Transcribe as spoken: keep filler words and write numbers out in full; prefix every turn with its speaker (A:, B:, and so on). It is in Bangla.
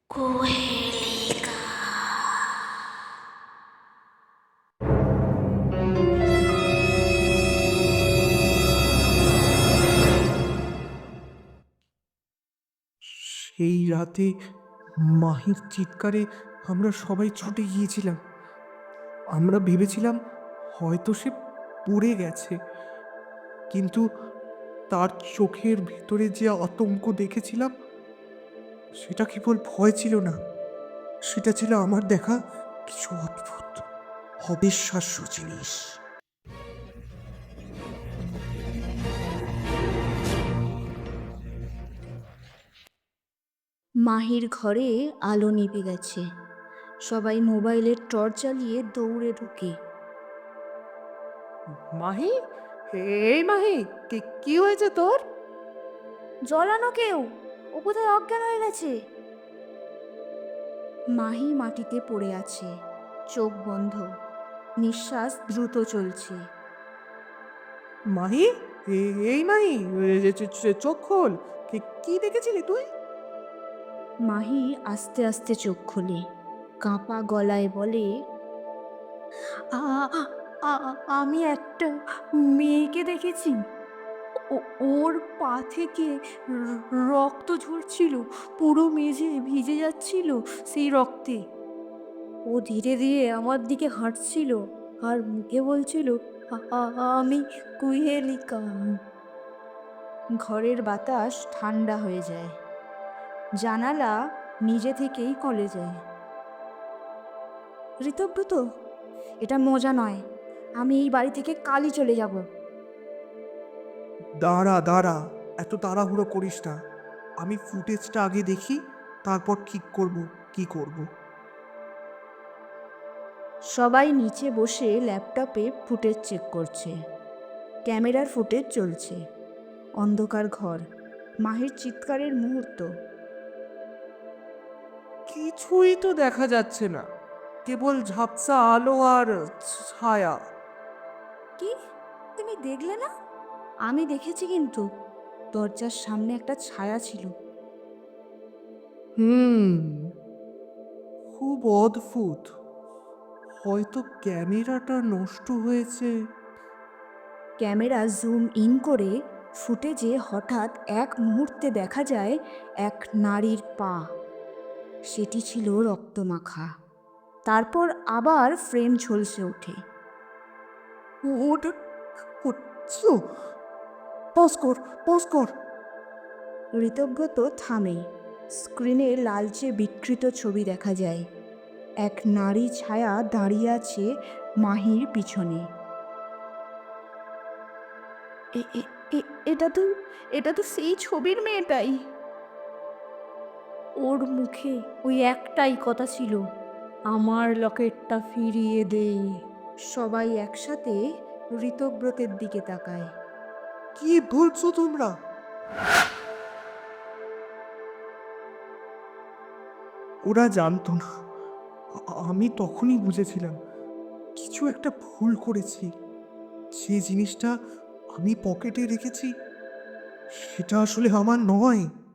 A: কুহেলিকা।
B: সেই রাতে মাহির চিৎকারে আমরা সবাই ছুটে গিয়েছিলাম। আমরা ভেবেছিলাম হয়তো সে পড়ে গেছে, কিন্তু তার চোখের ভেতরে যে আতঙ্ক দেখেছিলাম সেটা কেবল ভয় ছিল না, সেটা ছিল আমার দেখা কিছু অদ্ভুত অবিশ্বাস্য জিনিস।
A: মাহির ঘরে আলো নিভে গেছে। সবাই মোবাইলের টর্চ জ্বালিয়ে দৌড়ে ঢুকে।
B: মাহি, এই মাহি, কি কি হয়েছে তোর?
A: জ্বলানো কেউ, ও কোথায় অজ্ঞান হয়ে গেছে। মাহি মাটিতে পড়ে আছে, চোখ বন্ধ, নিঃশ্বাস দ্রুত চলছে।
B: মাহি, এ- এই মাহি, এ- এ- চো- চো- চোখ খোল। কি কি দেখেছিলি তুই?
A: মাহি আস্তে আস্তে চোখ খোলে, কাঁপা গলায় বলে, "আ- আ- আমি একটা মেয়েকে দেখেছি। ও- ওর পা থেকে র- রক্ত ঝরছিল, পুরো মেঝে ভিজে যাচ্ছিল সেই রক্তে। ও ধীরে ধীরে আমার দিকে হাঁটছিল আর মুখে বলছিল, "আ- আ- আমি কুহেলিকা।" ঘরের বাতাস ঠান্ডা হয়ে যায়, জানালা নিজে থেকেই খুলে যায়। ঋতব্রত, এটা মজা নয়, আমি এই বাড়ি থেকে কালই চলে যাব।
B: দাঁড়া দাঁড়া, এত তাড়াহুড়ো করিস না। আমি ফুটেজটা আগে দেখি, তারপর ঠিক করব কি করব।
A: সবাই নিচে বসে ল্যাপটপে ফুটেজ চেক করছে। ক্যামেরার ফুটেজ চলছে। অন্ধকার ঘর, মাহির চিৎকারের মুহূর্ত।
B: কিছুই তো দেখা যাচ্ছে না, কেবল ঝাপসা আলো আর ছায়া।
A: কি, তুমি দেখলে না? আমি দেখেছি কিন্তু, দরজার সামনে একটা ছায়া ছিল।
B: হুম, খুব অদ্ভুত। হয়তো ক্যামেরাটা নষ্ট হয়েছে।
A: ক্যামেরা জুম ইন করে ফুটেজে হঠাৎ এক মুহূর্তে দেখা যায় এক নারীর পা। সেটি ছিল রক্তমাখা। তারপর আবার ফ্রেম ঝলসে ওঠে।
B: ওটা হচ্ছিল। পজ কর, পজ কর।
A: ঋতব্রত থামে। স্ক্রিনে লালচে বিকৃত ছবি দেখা যায়। এক নারী ছায়া দাঁড়িয়ে আছে মাহির পিছনে। এ- এ- এ- এটা তো এটা তো সেই ছবির মেয়েটাই। ওর মুখে ওই একটাই কথা ছিল, আমার লকেটটা ফিরিয়ে দে। সবাই একসাথে ঋতব্রতের দিকে তাকায়।
B: কি বলছো তোমরা? ওরা জানতো না। আ- আমি তখনই বুঝেছিলাম কিছু একটা ভুল করেছি। যে জিনিসটা আমি পকেটে রেখেছি সেটা আসলে আমার নয়।